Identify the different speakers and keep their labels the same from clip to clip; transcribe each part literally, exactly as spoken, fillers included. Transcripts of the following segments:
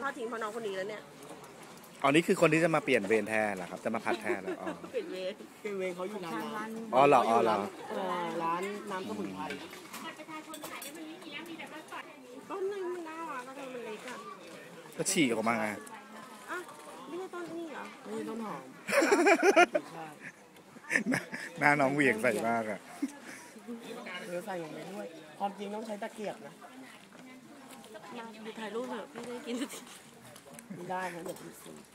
Speaker 1: ทอดทิ้งเพราะน้องคนนี้แล้วเนี่ย
Speaker 2: อ๋อนี่คือคนที่จะมาเปลี่ยนเวรแทนเหรอครับจะมาผัดแทนเหรออ๋อ
Speaker 1: เปลี่ยนเวร
Speaker 3: เปลี่ยนเวรเขาอยู่ร้านร้าน
Speaker 2: อ๋อเหรออ๋อเหรอ
Speaker 3: ร้านน้ำสมุนไพร
Speaker 1: ต้นนึงมันน่ารักก็มันเล็กอ่ะ
Speaker 2: ก็ฉีกออกมาไง
Speaker 1: อ่ะไม่ใช่ต้นนี่เหรอ
Speaker 3: ไม่ใช่ต้นหอม
Speaker 2: หน้าน้องเหวี่ยงใส่มากอ่ะ
Speaker 3: เออใส่ลงไปด้วยความจริงต้องใช้ตะเกียบนะ
Speaker 1: มาดูถ่ายรูปเถอะไม่ได้กินสักที
Speaker 3: ไม่ได้นะเดี๋ยวคุณซื้อ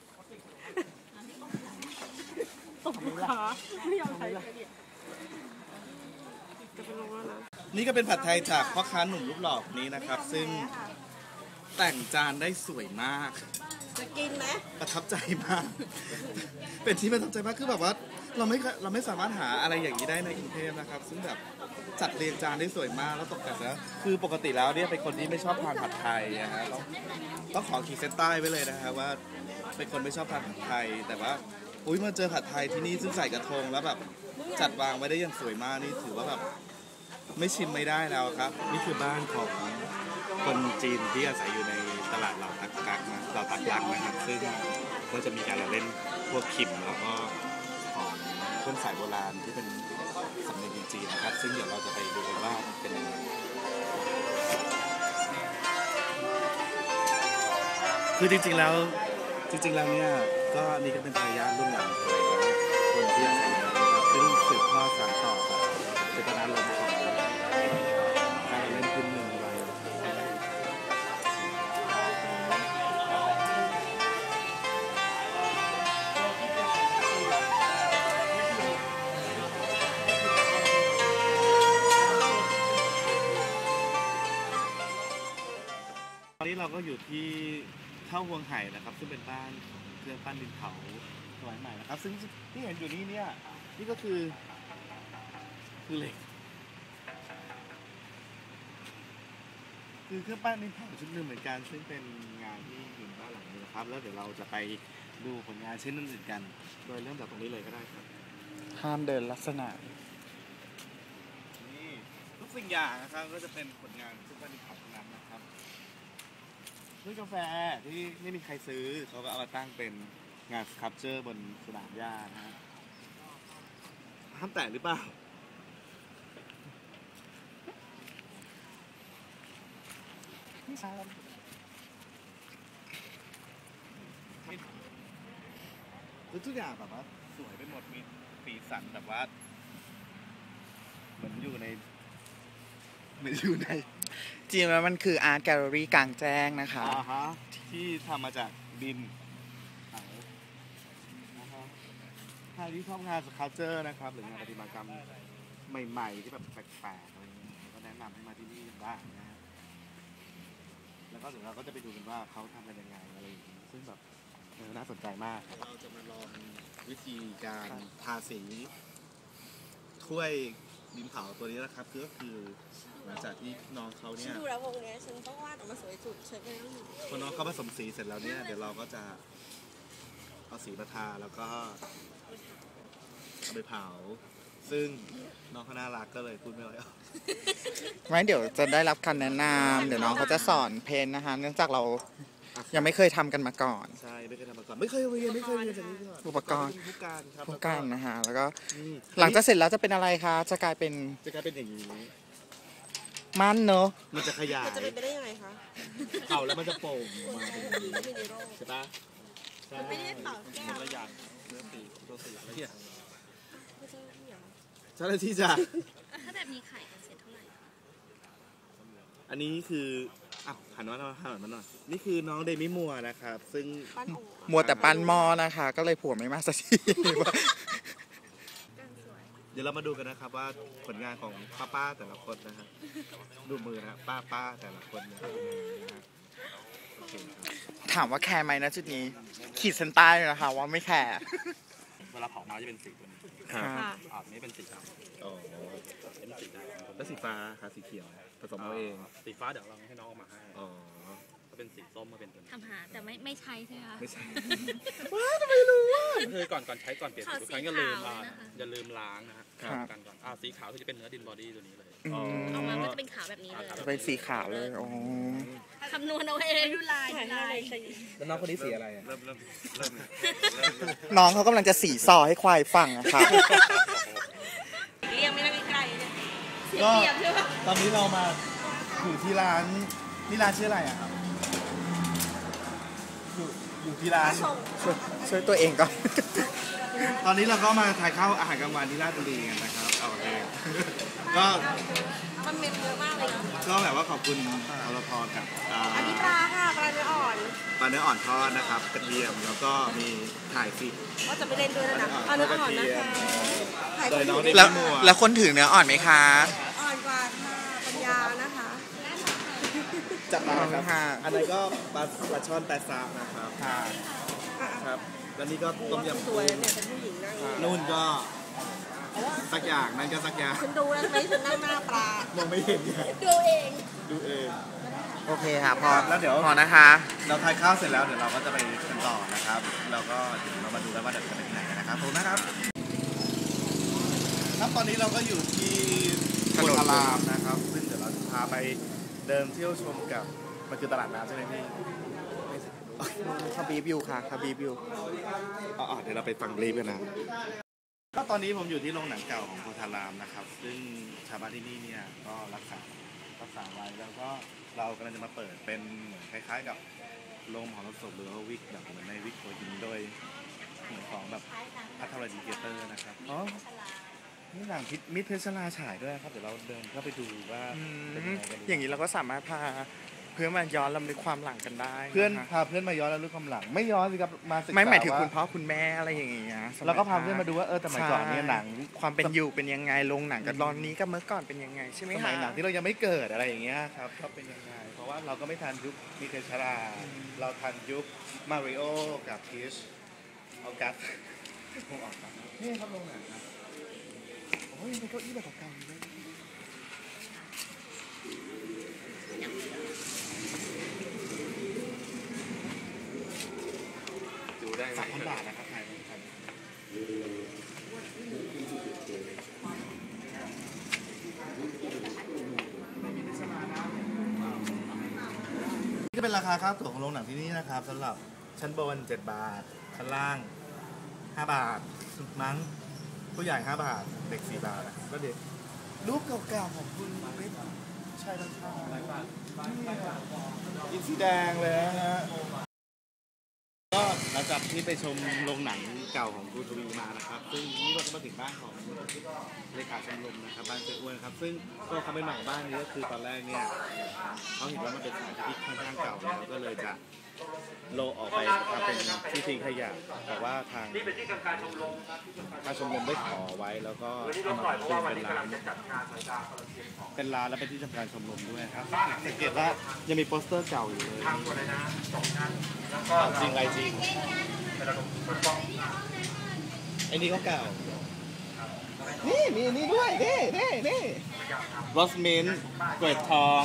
Speaker 1: ตบลูกค้าไม่ยอมใช้ละจะไปลงแล้วนะ
Speaker 2: นี่ก็เป็นผัดไทยจากพ่อค้าหนุ่มรูปหล่อนี้นะครับซึ่งแต่งจานได้สวยมาก
Speaker 1: จะกินไหม
Speaker 2: ประทับใจมากเป็นที่ประทับใจมากคือแบบว่าเราไม่เราไม่สามารถหาอะไรอย่างนี้ได้ในกรุงเทพนะครับซึ่งแบบจัดเรียงจานได้สวยมากแล้วตกแต่งแล้วคือปกติแล้วเนี่ยเป็นคนที่ไม่ชอบทานผัดไทยนะฮะต้องต้องขอขีดเส้นใต้ไว้เลยนะครับว่าเป็นคนไม่ชอบทานผัดไทยแต่ว่าอุ้ยมาเจอผัดไทยที่นี่ซึ่งใส่กระทงแล้วแบบจัดวางไว้ได้อย่างสวยมากนี่ถือว่าแบบไม่ชิมไม่ได้แล้วครับนี่คือบ้านของคนจีนที่อาศัยอยู่ในตลาดเหล่าตักกักนะเหล่าตักลักนะครับซึ่งก็จะมีการเล่นพวกขิมแล้วก็ของเครื่องสายโบราณที่เป็นสำเนียงจีนนะครับซึ่งเดี๋ยวเราจะไปดูกันว่าเป็นยังไงคือจริงๆแล้วจริงๆแล้วเนี่ยก็นี่ก็เป็นทายาทรุ่นหลังเลยนะคนที่อาศัยอยู่นะครับซึ่งสืบทอดสานต่อเจตนารมณ์ของการเล่นพื้นเมืองไว้ตอนนี้เราก็อยู่ที่เท่าฮวงไห่นะครับซึ่งเป็นบ้านเครื่องปั้นดินเผาสมัยใหม่นะครับซึ่งที่เห็นอยู่นี้เนี่ยนี่ก็คือคือเหล็กคือเครื่องปั้นดินเผาชุดหนึ่งเหมือนกันซึ่งเป็นงานที่อยู่บ้านหลังนี้นะครับแล้วเดี๋ยวเราจะไปดูผลงานชิ้นอื่นๆกันโดยเริ่มจากตรงนี้เลยก็ได้ครับ
Speaker 4: ห้ามเดินลักษณะ
Speaker 2: นี่ทุกสิ่งอย่างนะครับก็จะเป็นผลงานเครื่องปั้นดินเผาทั้งนั้นนะครับด้วยกาแฟที่ไม่มีใครซื้อเขาก็เอามาตั้งเป็นงานสครับเจอร์บนสนามหญ้านะฮะห้ามแตะหรือเปล่าไม่ใช่คือทุกอย่างแบบว่าสวยไปหมดมีสีสันแบบว่าเหมือนอยู่ในเหมือนอยู่ใน
Speaker 4: จริงแล้วมันคืออาร์ตแกลเลอรี่กลางแจ้งนะคะ
Speaker 2: อ่าฮะที่ทำมาจากดินนะครับใครที่ชอบงานสครับเจอร์นะครับหรืองานประติมากรรมใหม่ๆที่แบบแปลกๆอะไรเงี้ยก็แนะนำให้มาที่นี่กันบ้างนะฮะแล้วก็เดี๋ยวเราก็จะไปดูกันว่าเขาทำกันยังไงอะไรอย่างนี้ซึ่งแบบน่าสนใจมากเราจะมาลองวิธีการทาสีถ้วยดินเผาตัวนี้นะครับก็คือหลังจากที่น้องเขาเนี่ย
Speaker 1: ดูแล้ววงนี้ฉันต้องวาดออกมาสวยสุดใช่ไหม
Speaker 2: พอน้องเขาผสมสีเสร็จแล้วเนี่ยเดี๋ยวเราก็จะเอาสีมาทาแล้วก็เอาไปเผาซึ่งน้องเขาน่ารักก็เลยพูดไม่ไหว
Speaker 4: ไม่เดี๋ยวจะได้รับคำแนะนำเดี๋ยวน้องเขาจะสอนเพนนะคะเนื่องจากเรายังไม่เคยทำกันมาก่อน
Speaker 2: ใช่ไม่เคยทำมาก่อนไม่เคยเรียนไม่เคยเรียนจากนี้ก่อน
Speaker 4: อุปกรณ์
Speaker 2: ผู้การครับ
Speaker 4: ผู้การนะฮะแล้วก็หลังจากเสร็จแล้วจะเป็นอะไรคะจะกลายเป็น
Speaker 2: จะกลายเป็นอย่างนี้
Speaker 4: มันเนอะ
Speaker 2: มันจะขยาย
Speaker 1: จะเป็นไปได้ยังไงคะ
Speaker 2: เผาแล้วมันจะโป่งออกมาเป็นอย่างนี้ใช่ปะ
Speaker 1: มันไม่ได้เผาแก้ว
Speaker 2: ละอย่างเนื้อสีตัวสีอะไรอย่างเจ้าหน้าที่จะ
Speaker 1: ถ้าแบบนี้ขายกันเสร็จเท่าไหร่
Speaker 2: อันนี้คืออ้าวหันมาหน่อยหันมาหน่อยนี่คือน้องเดมี่มัวนะครับซึ่ง
Speaker 4: มัวแต่ปั้นหม้อนะคะก็เลยผัวไม่มาสักที
Speaker 2: เดี๋ยวเรามาดูกันนะครับว่าผลงานของป้าป้าแต่ละคนนะฮะดูมือนะป้าป้าแต่ละคนเนี่ย
Speaker 4: ถามว่าแคร์ไหมนะจุดนี้ขีดเส้นใต้เลยนะคะว่าไม่แคร์
Speaker 2: เวลาเผามาจะเป็นสีตัวนี้อ่านี้เป็นสีดำอ๋อเป็นสีดำแล้วสีฟ้าค่ะสีเขียวผสมเอาเองสีฟ้าเดี๋ยวเราให้น้องเอามาให้อ๋อก็เป็นสีส้มมาเป็นตัวนี้
Speaker 1: ทำหาแต่ไม่ไม่ใช้ใช่ไหมคะ
Speaker 2: ไม่ใช่ว้าทำไมรู้ว่าคือก่อนก่อนใช้ก่อนเปลี่ยนทุกครั้งอย่าลืมอย่าลืมล้างนะฮะกันก่อนอ่าสีขาวคือจะเป็นเนื้อดินบอดี้ตัวนี้เลย
Speaker 1: ออกมาก็จะเป็นขาวแบบนี้เลย
Speaker 4: จะเป็นสีขาวเลยโอ้
Speaker 1: ถคำนวณเอาเองดูลายดูลาย
Speaker 2: แล้วน้องคนนี้สีอะไรอ่ะ
Speaker 4: น้องเขากำลังจะสีซอให้ควายฟังอะค่ะ
Speaker 1: เรียงไม่ได้ไกลเลยเสีย
Speaker 2: ก็
Speaker 1: เปรียบใช่ปะ
Speaker 2: ตอนนี้เรามาอยู่ที่ร้านนี่ร้านชื่ออะไรอ่ะครับอยู่อยู่ที่ร้าน
Speaker 4: ช่วยช่วยตัวเองก่อน
Speaker 2: ตอนนี้เราก็มาทานข้าวอาหารกลางวันที่ราชบุรีกันนะครับเอาเองก็
Speaker 1: มันเมมเยอะมากเลยนะ
Speaker 2: ก็แบบว่าขอบคุณอรพรกับอ่า
Speaker 1: อันนี้ปลาค่ะปลาเนื้ออ่อน
Speaker 2: ปลาเนื้ออ่อนทอดนะครับกระเทียมแล้วก็มีถ่ายฟิก
Speaker 1: ว่าจะไม่เล่นด้วยนะปลาเนื้ออ่อนนะคะถ่าย
Speaker 2: โดยน้องได้
Speaker 4: แล้ว
Speaker 2: พี่มัว
Speaker 4: แล้วคนถือเนื้ออ่อนไหมคะ
Speaker 1: อ่อนกว่าค่ะปัญญานะคะ
Speaker 2: จับมาครับ
Speaker 4: ค่ะ
Speaker 2: อันนั้นก็ปลาปลาช่อนแปดซาบนะครับครับแล้วนี่ก็ต้มยำ
Speaker 1: สวยเนี่ยเป็นผู้หญิงนั่งอยู่
Speaker 2: นู่นก็สักอย่างนั่นก็สักอย่าง
Speaker 1: ฉันดูแล้วไหมฉันนั่งหน้าปลาม
Speaker 2: องไม่เห็นเนี่ย
Speaker 1: ดูเอง
Speaker 2: ดูเอง
Speaker 4: โอเคค่ะพอ
Speaker 2: แล้วเดี๋ยว
Speaker 4: พอนะคะ
Speaker 2: เราทานข้าวเสร็จแล้วเดี๋ยวเราก็จะไปกันต่อนะครับแล้วก็เดี๋ยวเรามาดูกันว่าเดี๋ยวจะไปที่ไหนกันนะครับผมนะครับครับตอนนี้เราก็อยู่ที่โพธารามนะครับซึ่งเดี๋ยวเราจะพาไปเดินเที่ยวชมกับมันคือตลาดน้ำใช่ไหมพี่
Speaker 4: คาบีบอยู่ค่ะคาบีบอยู่
Speaker 2: อ๋อเดี๋ยวเราไปฟังรีบกันนะก็ตอนนี้ผมอยู่ที่โรงหนังเก่าของโพธารามนะครับซึ่งชาวบ้านที่นี่เนี่ยก็รักษารักษาไว้แล้วก็เรากำลังจะมาเปิดเป็นเหมือนคล้ายๆกับโรงของรถศพหรือว่าวิกแบบเหมือนในวิกโคยินโดยเหมือนของแบบพัทรดีเกเตอร์นะครับอ๋อนี่หนังพิษมิตรเพชรลาฉายด้วยนะครับเดี๋ยวเราเดินเข้าไปดูว่า
Speaker 4: อื
Speaker 2: เป็น
Speaker 4: ม
Speaker 2: ยังไงกัน
Speaker 4: อย่างนี้เราก็สามารถพาเพื่อนมาย้อนลำลึกความหลังกันได้
Speaker 2: เพื่อน
Speaker 4: นะคะ
Speaker 2: พาเพื่อนมาย้อนแล้วรู้ความหลัง ไม่ย้อนสิครับมาศึกษา
Speaker 4: ไม่หมายถึง
Speaker 2: ว่
Speaker 4: คุณพ่อคุณแม่อะไรอย่างเงี้ยสมัย
Speaker 2: แล้วก็พาเพื่อนมาดูว่าเออแต่สมัยก่อนเนี่ยหนัง
Speaker 4: ความเป็นอยู่เป็นยังไงโรงหนังกับตอนนี้กับเมื่อก่อนเป็นยังไงใช่ไหม
Speaker 2: ส
Speaker 4: คะ
Speaker 2: มัยหนังที่เรายังไม่เกิดอะไรอย่างเงี้ยครับก็เป็นยังไงเพราะว่าเราก็ไม่ทันยุคมิเคชรา เราทันยุคมาริโอกับพีชเอากัสคงออกครับนี่ครับโรงหนังครับโอ้ยเป็นเก้าอี้แบบเก่าๆเลยดูได้สามพันบาทนะครับไทยไทยนี่จะเป็นราคาค่าตั๋วของโรงหนังที่นี่นะครับสำหรับชั้นบนเจ็ดบาทชั้นล่างห้าบาทมั้งผู้ใหญ่ห้าบาทเด็กสี่บาทนะครับก็เด็กรูปเก่าๆของคุณไม่ใช่ทั้งชาอินสีแดงเลยนะฮะก็หลังจากที่ไปชมโรงหนังเก่าของครูทวีมานะครับซึ่งนี่เราก็มาถึงบ้านของเลขาชมรมนะครับบ้านเจ้าอ้วนครับซึ่งก็เขาไม่มาของบ้านนี้ก็คือตอนแรกเนี่ยเขาเห็นว่ามันเป็นสถานที่ค่อนข้างเก่าแล้วก็เลยจะโลออกไปทำเป็นที่ทิ้งขยะแต่ว่าทางทางชมรมได้ขอไว้แล้วก็เอามาเป็นร้านเป็นร้านและเป็นที่ทำการชมรมด้วยครับสังเกตว่ายังมีโปสเตอร์เก่าอยู่เลยจริงไรจริงไอ้นี่ก็เก่านี่มีอันนี่ด้วยนี่นี่นี่รสมินต์เกล็ดทอง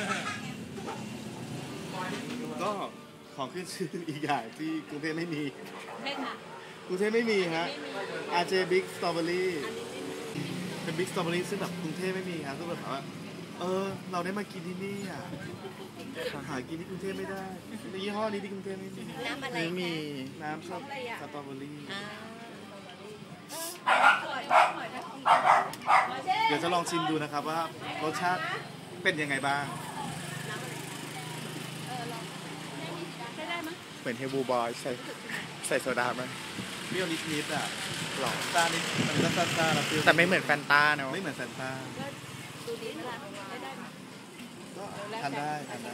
Speaker 2: ก็ของขึ้นชื่ออีกอย่างที่กรุงเทพไม่มี
Speaker 1: ใช่ค่ะ
Speaker 2: กรุงเทพไม่มีฮะ อาร์ เจ Big Strawberry เป็น Big Strawberry ซึ่งแบบกรุงเทพไม่มีครับก็แบบว่าเออเราได้มากินที่นี่อ่ะหากินที่กรุงเทพไม่ได้ในยี่ห้อนี้ที่กรุงเทพไม่มี
Speaker 1: น้ำอะไร
Speaker 4: ไม่มี
Speaker 2: น้ำสตสตรอเบอรี่
Speaker 1: อ่า
Speaker 2: เดี๋ยวจะลองชิมดูนะครับว่ารสชาติเป็นยังไงบ้าง
Speaker 4: เหมือนเฮบูบอยใส่ใส่โซดาไหม
Speaker 2: เปรี้ยวนิดๆอ่ะ
Speaker 4: หรอ
Speaker 2: ซ่านิดมันก็ซ่าๆแล้วเปรี้ยว
Speaker 4: แต่ไม่เหมือนแฟนตาเนอะ
Speaker 2: ไม่เหมือนแฟนตา
Speaker 1: ดูดีเวลาได้ได้ไหม
Speaker 2: ก็ทานได้ทานได้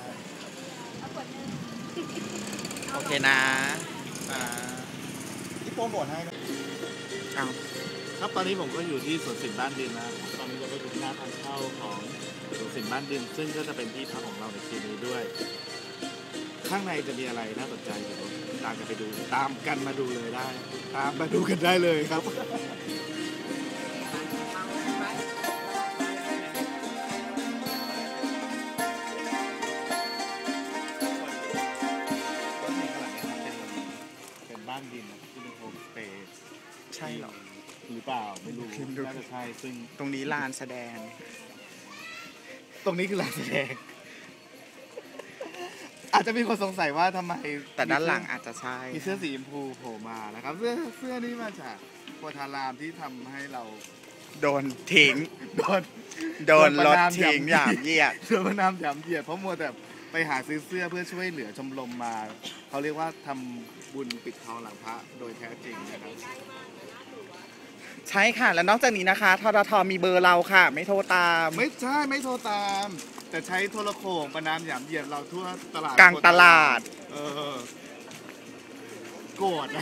Speaker 4: โอเคนะ
Speaker 2: อ่าที่โปรโมทให้นะ
Speaker 4: เอา
Speaker 2: ครับตอนนี้ผมก็อยู่ที่สวนสินบ้านดินนะตอนนี้เราก็อยู่ที่หน้าทางเข้าของสวนสินบ้านดิน ซึ่งก็จะเป็นที่พักของเราในคืนนี้ด้วย ข้างในจะมีอะไรน่าสนใจเดี๋ยวตามกันไปดู ตามกันมาดูเลยได้ ตามมาดูกันได้เลยครับเป็นบ้านดินนะครับที่เป็นโฮมสเตย์
Speaker 4: ใช่เหรอ
Speaker 2: หรือเปล่าไม่รู้
Speaker 4: คิดดู
Speaker 2: น่าจะใช่ซึ่ง
Speaker 4: ตรงนี้ลานแสดง
Speaker 2: ตรงนี้คือลานแสดงอาจจะมีคนสงสัยว่าทำไม
Speaker 4: แต่ด้านหลังอาจจะใช่
Speaker 2: มีเสื้อสีชมพูโผล่มานะครับเสื้อเสื้อนี้มาจากโพธารามที่ทำให้เรา
Speaker 4: โดนทิ้ง
Speaker 2: โดน
Speaker 4: โดนรถทิ้งอย่างเยียด
Speaker 2: เสื้อพระนามหยามเหยียดเพราะมัวแต่ไปหาซื้อเสื้อเพื่อช่วยเหลือชมรมมาเขาเรียกว่าทำบุญปิดทองหลังพระโดยแท้จริงนะครับ
Speaker 4: ใช่ค่ะ แล้วนอกจากนี้นะคะทททมีเบอร์เราค่ะ ไม่โทรตาม
Speaker 2: ไม่ใช่ไม่โทรตาม แต่ใช้โทรโข่งประนามหยามเหยียดเราทั่วตลาด
Speaker 4: กลางตลาด
Speaker 2: เออโกรธนะ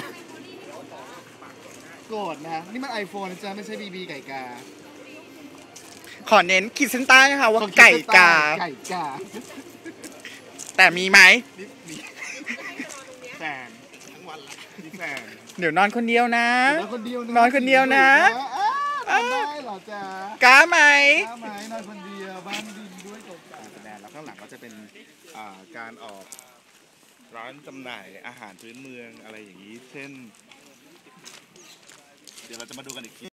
Speaker 2: โกรธนะนี่มันไอโฟนนะจ๊ะไม่ใช่บีบีไก่กา
Speaker 4: ขอเน้นขีดเส้นใต้นะคะว่าไก่กา
Speaker 2: ไก่กา
Speaker 4: แต่มีไหม
Speaker 2: นี่นี่แฟนทั้งวันละนี่แฟน
Speaker 4: เดี๋ยวนอนคนเดียวนะ
Speaker 2: นอนคนเดียวนะ
Speaker 4: นอนคนเดียวนะ
Speaker 2: อ้าวนอนได้เหรอจ๊ะ
Speaker 4: กล้าไหม
Speaker 2: กล้าไหมนอนคนเดียวบ้านดินด้วยตกแต่แสดงแล้วข้างหลังก็จะเป็นอ่าการออกร้านจำหน่ายอาหารพื้นเมืองอะไรอย่างนี้ เช่น เดี๋ยวเราจะมาดูกันอีกที